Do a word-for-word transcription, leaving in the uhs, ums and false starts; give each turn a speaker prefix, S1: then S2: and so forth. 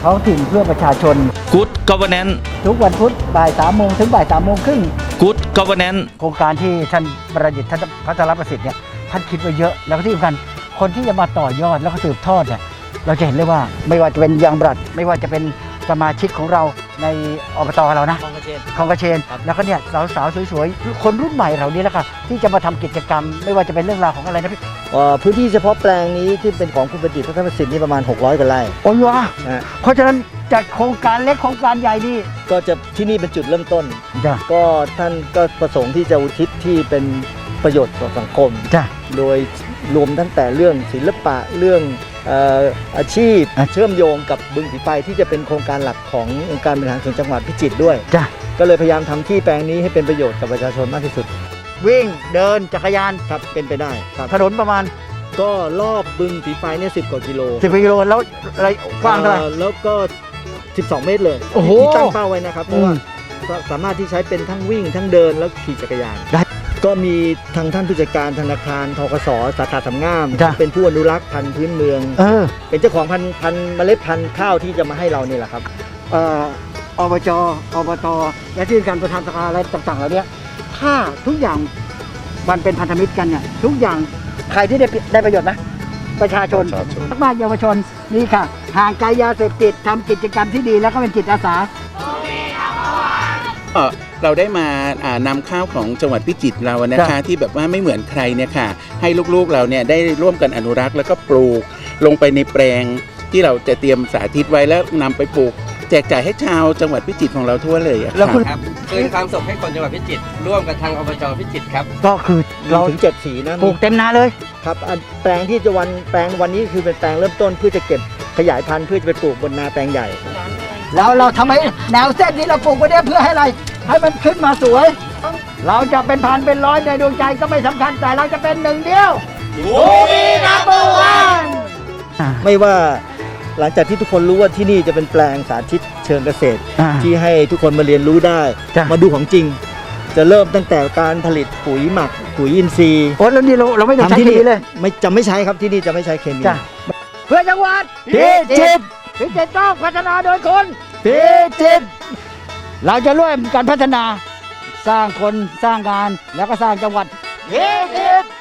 S1: ท้องถิ่นเพื่อประชาชน
S2: Good Governance
S1: ทุกวันพุธบ่ายสามโมงถึงบ่ายสามโมงครึ่ง
S2: Good Governance
S1: โครงการที่ท่านประดิษฐ์ท่านพัฒนประสิทธิ์เนี่ยท่านคิดไว้เยอะแล้วก็ที่สำคัญคนที่จะมาต่อยอดแล้วก็สืบทอดเนี่ยเราจะเห็นเลยว่าไม่ว่าจะเป็นยางบรัดไม่ว่าจะเป็นสมาชิกของเราในอบตเรานะคลองกระเชนคลองกระเชนแล้วก็เนี่ยสาวๆสวยๆคนรุ่นใหม่เรานี่แหละค่ะที่จะมาทำกิจกรรมไม่ว่าจะเป็นเรื่องราวของอะไรนะพี่
S3: พื้นที่เฉพาะแปลงนี้ที่เป็นของคุณประดิษฐ์พัฒนประสิทธิ์นี่ประมาณหกร้อยกว่าไร่
S1: โอ้ยวะเพราะฉะนั้นจากโครงการเล็กโครงการใหญ่นี่
S3: ก็จะที่นี่เป็นจุดเริ่มต้น
S1: จ้ะก็
S3: ท่านก็ประสงค์ที่จะอุทิศที่เป็นประโยชน์ต่อสังคม
S1: จ้ะ
S3: โดยรวมตั้งแต่เรื่องศิลปะเรื่องอาชีพเชื่อมโยงกับบึงสีไฟที่จะเป็นโครงการหลักขององค์การบริหารส่วนจังหวัดพิจิตรด้วย
S1: จ้ะ
S3: ก็เลยพยายามทำที่แปลงนี้ให้เป็นประโยชน์กับประชาชนมากที่สุด
S1: วิ่งเดินจักรยาน
S3: ครับเป็นไปได้ครับ
S1: ถนนประมาณ
S3: ก็รอบบึงสีไฟเนี่ยสิบกว่ากิโล
S1: สิบกิโลแล้วอะไรกว้างเท่าไหร่
S3: แล้วก็สิบสองเมตรเลย
S1: โอ้โห
S3: ที่ตั้งเป้าไว้นะครับเพราะว่าสามารถที่ใช้เป็นทั้งวิ่งทั้งเดินแล้วขี่จักรยาน
S1: ได้
S3: ก็มีทางท่านผู้จัดการธนาคารธกส.สาขาสำงามเป็นผู้อนุรักษ์พันธุ์พื้นเมือง
S1: เออ
S3: เป็นเจ้าของพันธุ์พันธุ์เมล็ดพันธุ์ข้าวที่จะมาให้เรานี่แหละครับ
S1: เอ่ออบจอบตและที่การประธานสภาอะไรต่างๆเหล่านี้ถ้าทุกอย่างมันเป็นพันธมิตรกันเนี่ยทุกอย่างใครที่ได้ได้ประโยชน์นะประชาชนมากเยาวชนนี่ค่ะห่างไกลยาเสพติดทำกิจกรรมที่ดีแล้วก็เป็นจิตอาสา
S4: เราได้มานำข้าวของจังหวัดพิจิตรเรานะคะที่แบบว่าไม่เหมือนใครเนี่ยค่ะให้ลูกๆเราเนี่ยได้ร่วมกันอนุรักษ์แล้วก็ปลูกลงไปในแปลงที่เราจะเตรียมสาธิตไว้แล้วนำไปปลูกแจกจ่ายให้ชาวจังหวัดพิจิตรของเราทั่วเลย
S1: แล้วคุณ
S5: ครับคืนความสุขให้คนจังหวัดพิจิตรร่วมกับทางอบจพิจิตรครับ
S1: ก็คือ
S3: เราถึงเจ็ดสีนะ
S1: ปลูกเต็มนาเลย
S3: ครับแปลงที่จะวันแปลงวันนี้คือเป็นแปลงเริ่มต้นเพื่อจะเก็บขยายพันธุ์เพื่อจะไปปลูกบนนาแปลงใหญ่
S1: แล้วเราทำให้แนวเส้นนี้เราปลูกไว้เนี่ยเพื่อให้อะไรให้มันขึ้นมาสวยเราจะเป็นพันเป็นร้อยในดวงใจก็ไม่สำคัญแต่เราจะเป็นหนึ่งเดียว
S3: ภูมินัมเบอร์วันไม่ว่าหลังจากที่ทุกคนรู้ว่าที่นี่จะเป็นแปลงสาธิตเชิงเกษตรที่ให้ทุกคนมาเรียนรู้ได้มาดูของจริงจะเริ่มตั้งแต่การผลิตปุ๋ยหมักปุ๋ยอินทรีย์
S1: โอ้แล้วนี่เราเราไม่ต้องใช้ที่นี่เลย
S3: ไม่จะไม่ใช้ครับที่นี่จะไม่ใช้เคมี
S1: เพื่อจังหวัดพิจิตรพิจิตรต้องพัฒนาโดยคนพิจิตรเราจะร่วมกันพัฒนาสร้างคนสร้างงานแล้วก็สร้างจังหวัดพิจิตร